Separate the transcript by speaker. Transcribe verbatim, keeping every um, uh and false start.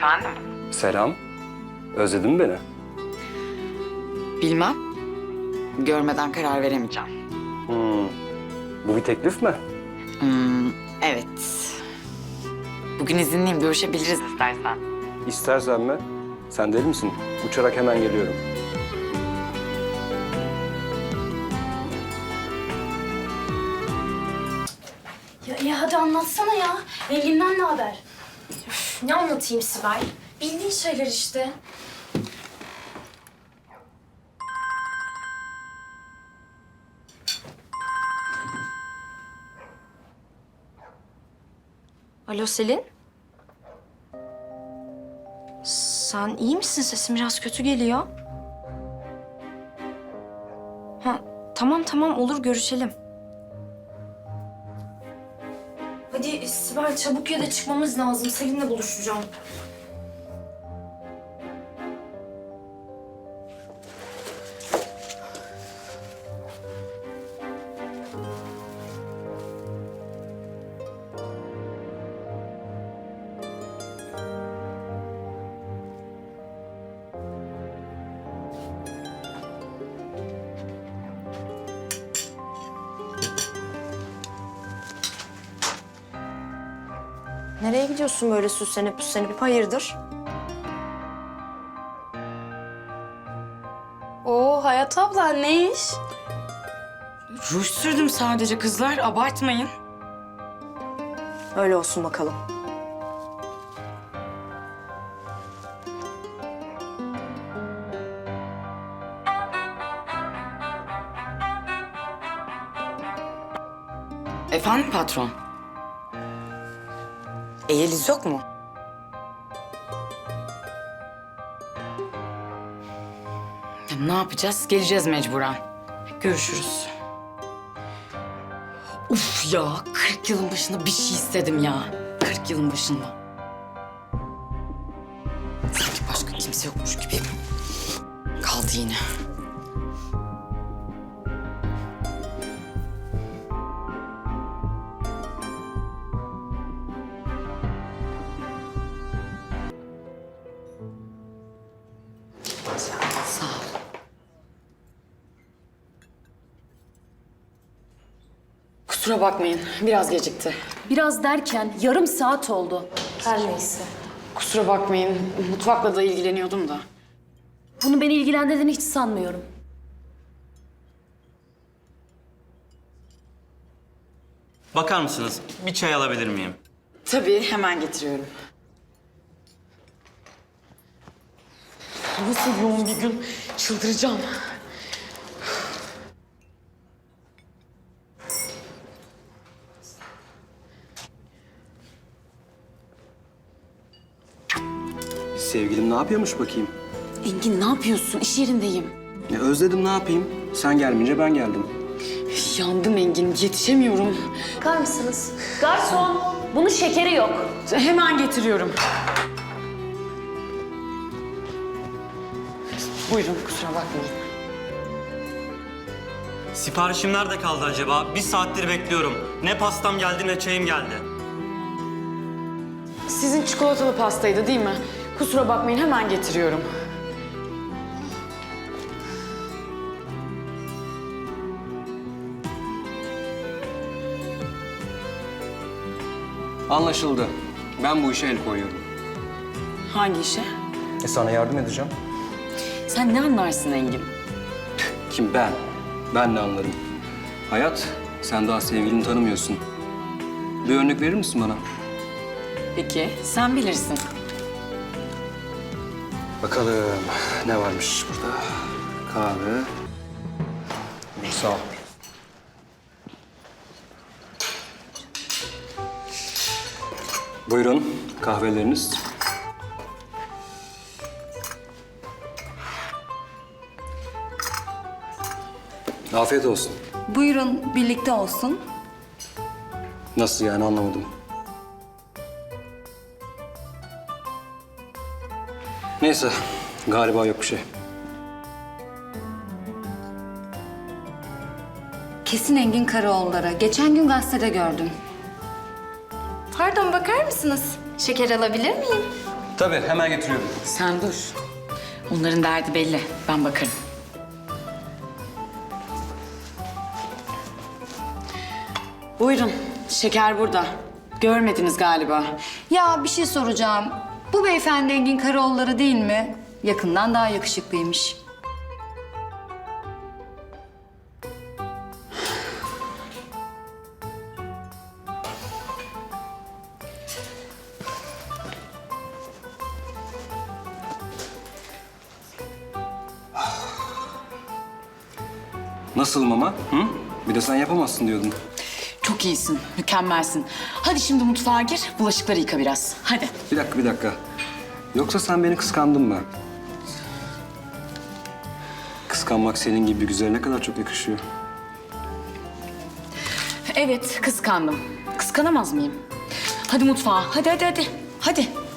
Speaker 1: Efendim?
Speaker 2: Selam. Özledin mi beni?
Speaker 1: Bilmem. Görmeden karar veremeyeceğim.
Speaker 2: Hmm. Bu bir teklif mi?
Speaker 1: Hmm, evet. Bugün izinliyim, görüşebiliriz istersen.
Speaker 2: İstersen mi? Sen deli misin? Uçarak hemen geliyorum.
Speaker 3: Ya iyi hadi anlatsana ya. Engin'den ne haber?
Speaker 4: Üf, ne anlatayım Sibel? Bildiğin şeyler işte. Alo Selin? Sen iyi misin? Sesin biraz kötü geliyor. Ha, tamam tamam olur görüşelim. Hadi Sibel çabuk ya da çıkmamız lazım. Selin'le buluşacağım. Nereye gidiyorsun böyle süslenip püslenip? Hayırdır?
Speaker 3: Oo Hayat abla ne iş?
Speaker 1: Ruj sürdüm sadece kızlar, abartmayın.
Speaker 4: Öyle olsun bakalım.
Speaker 1: Efendim patron? E, Yeliz yok mu? Ya, ne yapacağız? Geleceğiz mecburen. Görüşürüz. Uf ya, kırk yılın başında bir şey istedim ya. kırk yılın başında. Sanki başka kimse yokmuş gibi. Kaldı yine. Sağ ol. Kusura bakmayın, biraz gecikti.
Speaker 3: Biraz derken yarım saat oldu. Her neyse.
Speaker 1: Kusura bakmayın, mutfakla da ilgileniyordum da.
Speaker 3: Bunu beni ilgilendirdiğini hiç sanmıyorum.
Speaker 5: Bakar mısınız? Bir çay alabilir miyim?
Speaker 1: Tabii, hemen getiriyorum. Nasıl yoğun bir gün, çıldıracağım.
Speaker 2: Sevgilim ne yapıyormuş bakayım?
Speaker 1: Engin ne yapıyorsun? İş yerindeyim.
Speaker 2: Ya özledim, ne yapayım? Sen gelmeyince ben geldim.
Speaker 1: Yandım Engin, yetişemiyorum.
Speaker 3: Bakar mısınız? Garson, bunun şekeri yok.
Speaker 1: Hemen getiriyorum. Buyurun, kusura bakmayın.
Speaker 5: Siparişim nerede kaldı acaba? Bir saattir bekliyorum. Ne pastam geldi ne çayım geldi.
Speaker 1: Sizin çikolatalı pastaydı değil mi? Kusura bakmayın, hemen getiriyorum.
Speaker 2: Anlaşıldı. Ben bu işe el koyuyorum.
Speaker 1: Hangi işe?
Speaker 2: E sana yardım edeceğim.
Speaker 1: Sen ne anlarsın Engin?
Speaker 2: Kim ben? Ben ne anlarım? Hayat, sen daha sevgilini tanımıyorsun. Bir örnek verir misin bana?
Speaker 1: Peki, sen bilirsin.
Speaker 2: Bakalım ne varmış burada? Kahve. Sağ ol. Buyurun kahveleriniz. Afiyet olsun.
Speaker 6: Buyurun, birlikte olsun.
Speaker 2: Nasıl yani, anlamadım. Neyse, galiba yok bir şey.
Speaker 6: Kesin Engin Karaoğulları. Geçen gün gazetede gördüm. Pardon, bakar mısınız? Şeker alabilir miyim?
Speaker 2: Tabii, hemen getiriyorum.
Speaker 1: Sen dur. Onların derdi belli. Ben bakarım. Buyurun. Şeker burada. Görmediniz galiba.
Speaker 6: Ya bir şey soracağım. Bu beyefendi Engin Karaoğulları değil mi? Yakından daha yakışıklıymış.
Speaker 2: Nasılım ama? Hı? Bir de sen yapamazsın diyordun.
Speaker 1: Çok iyisin. Mükemmelsin. Hadi şimdi mutfağa gir. Bulaşıkları yıka biraz. Hadi.
Speaker 2: Bir dakika, bir dakika. Yoksa sen beni kıskandın mı? Kıskanmak senin gibi bir güzele ne kadar çok yakışıyor.
Speaker 1: Evet, kıskandım. Kıskanamaz mıyım? Hadi mutfağa. Hadi, hadi, hadi. Hadi.